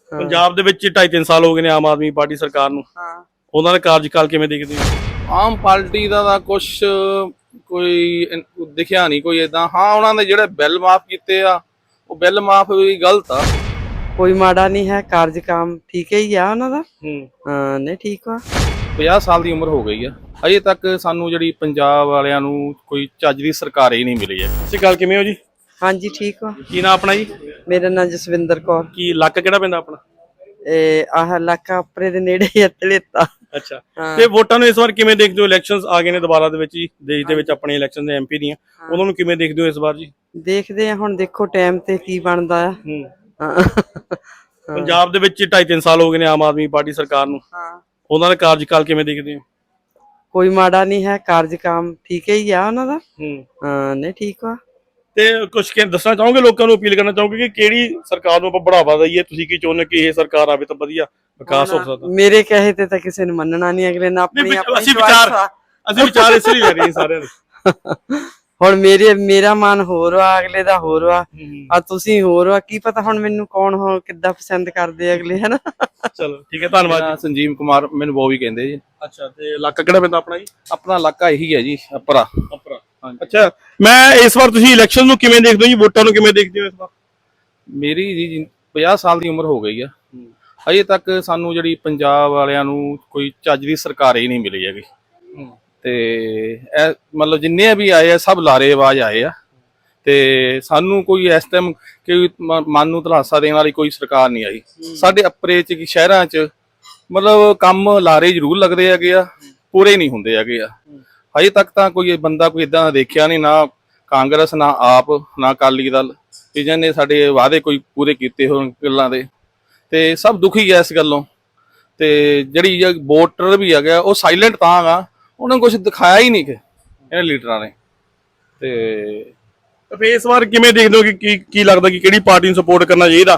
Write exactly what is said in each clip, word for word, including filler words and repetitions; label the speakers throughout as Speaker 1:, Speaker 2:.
Speaker 1: ਪੰਜਾਬ ਦੇ ਵਿੱਚ ਢਾਈ ਤਿੰਨ ਸਾਲ ਹੋ ਗਏ ਨੇ ਆਮ ਆਦਮੀ ਪਾਰਟੀ ਸਰਕਾਰ ਨੂੰ।
Speaker 2: ਹਾਂ,
Speaker 1: ਉਹਨਾਂ ਦਾ ਕਾਰਜਕਾਲ ਕਿਵੇਂ ਦੇਖਦੇ ਹੋ?
Speaker 2: ਆਮ ਪਾਰਟੀ ਦਾ ਤਾਂ ਕੁਛ ਕੋਈ ਇਨ- ਦਿਖਿਆ ਨਹੀਂ ਕੋਈ ਇਦਾਂ। ਹਾਂ, ਉਹਨਾਂ ਦੇ ਜਿਹੜੇ ਬਿੱਲ ਮਾਫ ਕੀਤੇ ਆ ਉਹ ਬਿੱਲ ਮਾਫ ਵੀ ਗਲਤ ਆ।
Speaker 3: ਕੋਈ ਮਾੜਾ ਨਹੀਂ ਹੈ, ਕਾਰਜਕਾਮ ਠੀਕ ਹੀ ਆ ਉਹਨਾਂ ਦਾ।
Speaker 1: ਹੂੰ।
Speaker 3: ਹਾਂ, ਨਹੀਂ ਠੀਕ ਆ।
Speaker 2: ਪੰਜਾਹ ਸਾਲ ਦੀ ਉਮਰ ਹੋ ਗਈ ਆ, ਅਜੇ ਤੱਕ ਸਾਨੂੰ ਜਿਹੜੀ ਪੰਜਾਬ ਵਾਲਿਆਂ ਨੂੰ ਕੋਈ ਚੱਜ ਦੀ ਸਰਕਾਰ ਹੀ ਨਹੀਂ ਮਿਲੀ ਹੈ।
Speaker 1: ਤੁਸੀਂ ਗੱਲ ਕਿਵੇਂ ਹੋ ਜੀ?
Speaker 3: ਹਾਂਜੀ ਠੀਕ ਆ।
Speaker 1: ਕੀ ਨਾਂ ਆਪਣਾ ਜੀ?
Speaker 3: ਮੇਰਾ ਨਾਂ ਜਸਵਿੰਦਰ ਕੌਰ।
Speaker 1: ਕੀ ਇਲਾਕਾ ਕਿਹੜਾ ਪੈਂਦਾ ਆਪਣਾ?
Speaker 3: ਇਹ ਆਹ ਇਲਾਕਾ ਉੱਪਰੇ ਦੇ ਨੇੜੇ ਹੀ ਤਲੇਤਾ।
Speaker 1: ਅੱਛਾ, ਤੇ ਵੋਟਾਂ ਨੂੰ ਇਸ ਵਾਰ ਕਿਵੇਂ ਦੇਖਦੇ ਹੋ? ਇਲੈਕਸ਼ਨਸ ਆ ਗਏ ਨੇ ਦੁਬਾਰਾ ਦੇ ਵਿੱਚ ਜੀ, ਦੇਸ਼ ਦੇ ਵਿੱਚ ਆਪਣੇ ਇਲੈਕਸ਼ਨ ਦੇ ਐਮਪੀ ਦੀਆਂ, ਉਹਨਾਂ ਨੂੰ ਕਿਵੇਂ ਦੇਖਦੇ ਹੋ ਇਸ ਵਾਰ ਜੀ?
Speaker 3: ਦੇਖਦੇ ਆ ਹੁਣ, ਦੇਖੋ ਟਾਈਮ ਤੇ ਕੀ ਬਣਦਾ ਆ।
Speaker 1: ਹੂੰ।
Speaker 3: ਹਾਂ।
Speaker 1: ਪੰਜਾਬ ਦੇ ਵਿੱਚ ਢਾਈ ਤਿੰਨ ਸਾਲ ਹੋ ਗਏ ਨੇ ਆਮ ਆਦਮੀ ਪਾਰਟੀ ਸਰਕਾਰ ਨੂੰ।
Speaker 3: ਹਾਂ,
Speaker 1: ਉਹਨਾਂ ਦਾ ਕਾਰਜਕਾਲ ਕਿਵੇਂ ਦੇਖਦੇ ਹੋ?
Speaker 3: ਕੋਈ ਮਾੜਾ ਨਹੀਂ ਹੈ, ਕਾਰਜਕਾਮ ਠੀਕ ਹੀ ਆ ਉਹਨਾਂ ਦਾ।
Speaker 1: ਹੂੰ।
Speaker 3: ਹਾਂ, ਨਹੀਂ ਠੀਕ ਆ।
Speaker 1: ਤੇ ਕੁਝ ਕਿ ਦੱਸਣਾ ਚਾਹੋਗੇ, ਲੋਕਾਂ ਨੂੰ ਅਪੀਲ ਕਰਨਾ ਚਾਹੋਗੇ ਕਿ ਕਿਹੜੀ ਸਰਕਾਰ ਨੂੰ ਆਪਾਂ ਬੜਾਵਾ ਦਈਏ? ਤੁਸੀਂ ਕੀ ਚਾਹੁੰਦੇ ਕਿ ਇਹ ਸਰਕਾਰ ਆਵੇ ਤਾਂ ਵਧੀਆ ਵਿਕਾਸ ਹੋ ਸਕਦਾ?
Speaker 3: ਮੇਰੇ ਕਹੇ ਤੇ ਤਾਂ ਕਿਸੇ ਨੂੰ ਮੰਨਣਾ ਨਹੀਂ, ਅਗਲੇ ਨੇ ਆਪਣੀ
Speaker 1: ਨਹੀਂ,
Speaker 3: ਆਪਣੀ
Speaker 1: ਅਸੀਂ
Speaker 3: choice
Speaker 1: ਵਿਚਾਰ
Speaker 3: ਆ।
Speaker 1: ਅਸੀਂ ਵਿਚਾਰ ਇਸ ਲਈ ਲੈ ਰਹੇ ਹਾਂ ਸਾਰਿਆਂ ਦੇ।
Speaker 3: ਹੁਣ ਮੇਰੇ ਮੇਰਾ ਮਨ ਹੋਰ ਆ, ਅਗਲੇ ਦਾ ਹੋਰ ਆ,
Speaker 1: ਹੂੰ।
Speaker 3: ਆ ਤੁਸੀਂ ਹੋਰ ਆ। ਕੀ ਪਤਾ ਹੁਣ ਮੈਨੂੰ ਕੌਣ ਹੋ ਕਿੱਦਾਂ ਪਸੰਦ ਕਰਦੇ ਆ ਅਗਲੇ, ਹਨਾ।
Speaker 1: ਚਲੋ ਠੀਕ ਹੈ, ਧੰਨਵਾਦ
Speaker 2: ਮੇਰਾ
Speaker 1: ਜੀ।
Speaker 2: ਸੰਜੀਵ ਕੁਮਾਰ, ਮੈਨੂੰ ਬੋਵੀ ਕਹਿੰਦੇ ਜੀ।
Speaker 1: ਅੱਛਾ, ਤੇ ਇਲਾਕਾ ਕਿਹੜਾ ਪੈਂਦਾ ਆਪਣਾ ਜੀ?
Speaker 2: ਆਪਣਾ ਇਲਾਕਾ ਇਹੀ ਹੈ ਜੀ, ਅਪਰਾ।
Speaker 1: ਅਪਰਾ। ਅੱਛਾ, ਮੈਂ ਇਸ ਵਾਰ ਤੁਸੀਂ ਇਲੈਕਸ਼ਨ ਨੂੰ ਕਿਵੇਂ ਦੇਖਦੇ ਹੋ ਜੀ? ਵੋਟਾਂ ਨੂੰ ਕਿਵੇਂ ਦੇਖਦੇ ਹੋ ਇਸ ਵਾਰ?
Speaker 2: ਮੇਰੀ ਜੀ ਪੰਜਾਹ ਸਾਲ ਦੀ ਉਮਰ ਹੋ ਗਈ ਆ, ਅਜੇ ਤੱਕ ਸਾਨੂੰ ਜਿਹੜੀ ਪੰਜਾਬ ਵਾਲਿਆਂ ਨੂੰ ਕੋਈ ਚੱਜ ਦੀ ਸਰਕਾਰ ਹੀ ਨਹੀਂ ਮਿਲੀ ਹੈਗੀ। ਤੇ ਇਹ ਮਤਲਬ ਜਿੰਨੇ ਵੀ ਆਏ ਆ ਸਭ ਲਾਰੇਬਾਜ਼ ਆਏ ਆ, ਤੇ ਸਾਨੂੰ ਕੋਈ ਇਸ ਟਾਈਮ ਕੋਈ ਮਨ ਨੂੰ ਧਲਾਸਾ ਦੇਣ ਵਾਲੀ ਕੋਈ ਸਰਕਾਰ ਨਹੀਂ ਆਈ। ਸਾਡੇ ਅਪਰੇ ਚ ਕੀ ਸ਼ਹਿਰਾਂ ਚ ਮਤਲਬ ਕੰਮ ਲਾਰੇ ਜ਼ਰੂਰ ਲੱਗਦੇ ਹੈਗੇ ਆ, ਪੂਰੇ ਨਹੀਂ ਹੁੰਦੇ ਹੈਗੇ ਆ। ਹਜੇ ਤੱਕ ਤਾਂ ਕੋਈ ਬੰਦਾ ਕੋਈ ਇਦਾਂ ਦਾ ਦੇਖਿਆ ਨਹੀਂ, ਨਾ ਕਾਂਗਰਸ, ਨਾ ਆਪ, ਨਾ ਅਕਾਲੀ ਦਲ, ਵੀ ਜਿਹਨੇ ਸਾਡੇ ਵਾਅਦੇ ਕੋਈ ਪੂਰੇ ਕੀਤੇ ਹੋਣ ਗੱਲਾਂ ਦੇ। ਤੇ ਸਭ ਦੁਖੀ ਆ ਇਸ ਗੱਲੋਂ। ਤੇ ਜਿਹੜੀ ਵੋਟਰ ਵੀ ਹੈਗਾ ਉਹ ਸਾਇਲੈਂਟ ਤਾਂ ਗਾ, ਉਹਨਾਂ ਨੂੰ ਕੁਝ ਦਿਖਾਇਆ ਹੀ ਨਹੀਂ ਕਿ ਇਹਨਾਂ ਲੀਡਰਾਂ ਨੇ। ਤੇ
Speaker 1: ਫਿਰ ਇਸ ਵਾਰ ਕਿਵੇਂ ਦੇਖਦੇ ਹੋ ਕਿ ਕੀ ਕੀ ਲੱਗਦਾ ਕਿ ਕਿਹੜੀ ਪਾਰਟੀ ਨੂੰ ਸਪੋਰਟ ਕਰਨਾ ਚਾਹੀਦਾ?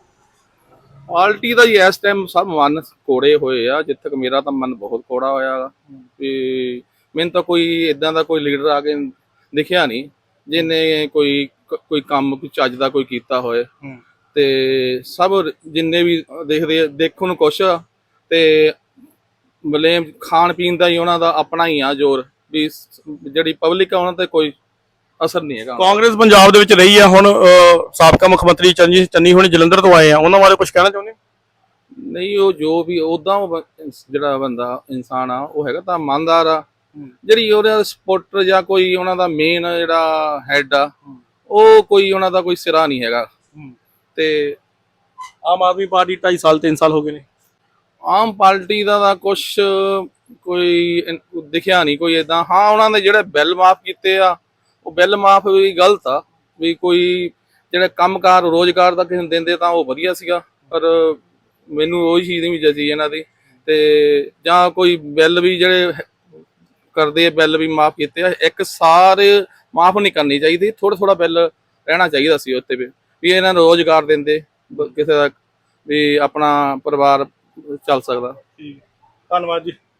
Speaker 2: ਪਾਰਟੀ ਦਾ ਜੀ ਇਸ ਟਾਈਮ ਸਭ ਮਨ ਕੋੜੇ ਹੋਏ ਆ, ਜਿੱਥੇ ਤੱਕ ਮੇਰਾ ਤਾਂ ਮਨ ਬਹੁਤ ਕੋੜਾ ਹੋਇਆ ਗਾ। ਤੇ ਮੈਨੂੰ ਤਾਂ ਕੋਈ ਇਦਾਂ ਦਾ ਕੋਈ ਲੀਡਰ ਆ ਕੇ ਦਿਖਿਆ ਨਹੀਂ ਜਿਹਨੇ ਕੋਈ ਕੋਈ ਕੰਮ ਕੋਈ ਚੱਜ ਦਾ ਕੋਈ ਕੀਤਾ ਹੋਏ। ਤੇ ਸਭ ਜਿੰਨੇ ਵੀ ਦੇਖਦੇ ਦੇਖਣ ਨੂੰ ਕੁਛ, ਤੇ ਬਲੇਮ ਖਾਣ ਪੀਣ ਦਾ ਹੀ ਉਹਨਾਂ ਦਾ ਆਪਣਾ ਹੀ ਆ ਜ਼ੋਰ, ਵੀ ਜਿਹੜੀ ਪਬਲਿਕ ਆ ਉਹਨਾਂ ਤੇ ਕੋਈ ਅਸਰ ਨਹੀਂ ਹੈਗਾ।
Speaker 1: ਕਾਂਗਰਸ ਪੰਜਾਬ ਦੇ ਵਿੱਚ ਰਹੀ ਆ, ਹੁਣ ਸਾਬਕਾ ਮੁੱਖ ਮੰਤਰੀ ਚੰਨੀ ਚੰਨੀ ਹੁਣੀ ਜਲੰਧਰ ਤੋਂ ਆਏ ਆ, ਉਹਨਾਂ ਬਾਰੇ ਕੁਝ ਕਹਿਣਾ ਚਾਹੁੰਦੇ?
Speaker 2: ਨਹੀਂ, ਉਹ ਜੋ ਵੀ ਉਦਾਂ ਜਿਹੜਾ ਬੰਦਾ ਇਨਸਾਨ ਆ ਉਹ ਹੈਗਾ ਤਾਂ ਇਮਾਨਦਾਰ ਆ। ਜਿਹੜੀ ਉਹਦਾ ਸਪੋਰਟਰ ਜਾਂ ਕੋਈ ਉਹਨਾਂ ਦਾ ਮੇਨ ਜਿਹੜਾ ਹੈਡ ਆ, ਉਹ ਕੋਈ ਉਹਨਾਂ ਦਾ ਕੋਈ ਸਿਰਾ ਨਹੀਂ ਹੈਗਾ। ਤੇ
Speaker 1: ਆਮ ਆਦਮੀ ਪਾਰਟੀ ਢਾਈ ਸਾਲ ਤਿੰਨ ਸਾਲ ਹੋ ਗਏ ਨੇ।
Speaker 2: ਆਮ ਪਾਰਟੀ ਦਾ ਤਾਂ ਕੁਛ ਕੋਈ ਇਨ- ਦਿਖਿਆ ਨਹੀਂ ਕੋਈ ਇਦਾਂ। ਹਾਂ, ਉਹਨਾਂ ਦੇ ਜਿਹੜੇ ਬਿੱਲ ਮਾਫ ਕੀਤੇ ਆ ਉਹ ਬਿੱਲ ਮਾਫ ਵੀ ਗਲਤ ਆ। ਵੀ ਕੋਈ ਜਿਹੜੇ ਕੰਮਕਾਰ ਰੋਜ਼ਗਾਰ ਦਾ ਕਿਸੇ ਨੂੰ ਦਿੰਦੇ ਤਾਂ ਉਹ ਵਧੀਆ ਸੀਗਾ, ਪਰ ਮੈਨੂੰ ਉਹੀ ਚੀਜ਼ ਨਹੀਂ ਜਚੀ ਇਹਨਾਂ ਦੀ। ਤੇ ਜਾਂ ਕੋਈ ਬਿੱਲ ਵੀ ਜਿਹੜੇ ਕਰਦੇ ਆ, ਬਿੱਲ ਵੀ ਮਾਫ ਕੀਤੇ ਆ, ਇੱਕ ਸਾਰੇ ਮਾਫ ਨਹੀਂ ਕਰਨੀ ਚਾਹੀਦੀ, ਥੋੜਾ ਥੋੜਾ ਬਿੱਲ ਰਹਿਣਾ ਚਾਹੀਦਾ ਸੀ ਉੱਤੇ ਵੀ ਵੀ ਇਹਨਾਂ ਨੂੰ ਰੋਜ਼ਗਾਰ ਦਿੰਦੇ, ਕਿਸੇ ਦਾ ਵੀ ਆਪਣਾ ਪਰਿਵਾਰ ਚੱਲ ਸਕਦਾ।
Speaker 1: ਧੰਨਵਾਦ ਜੀ।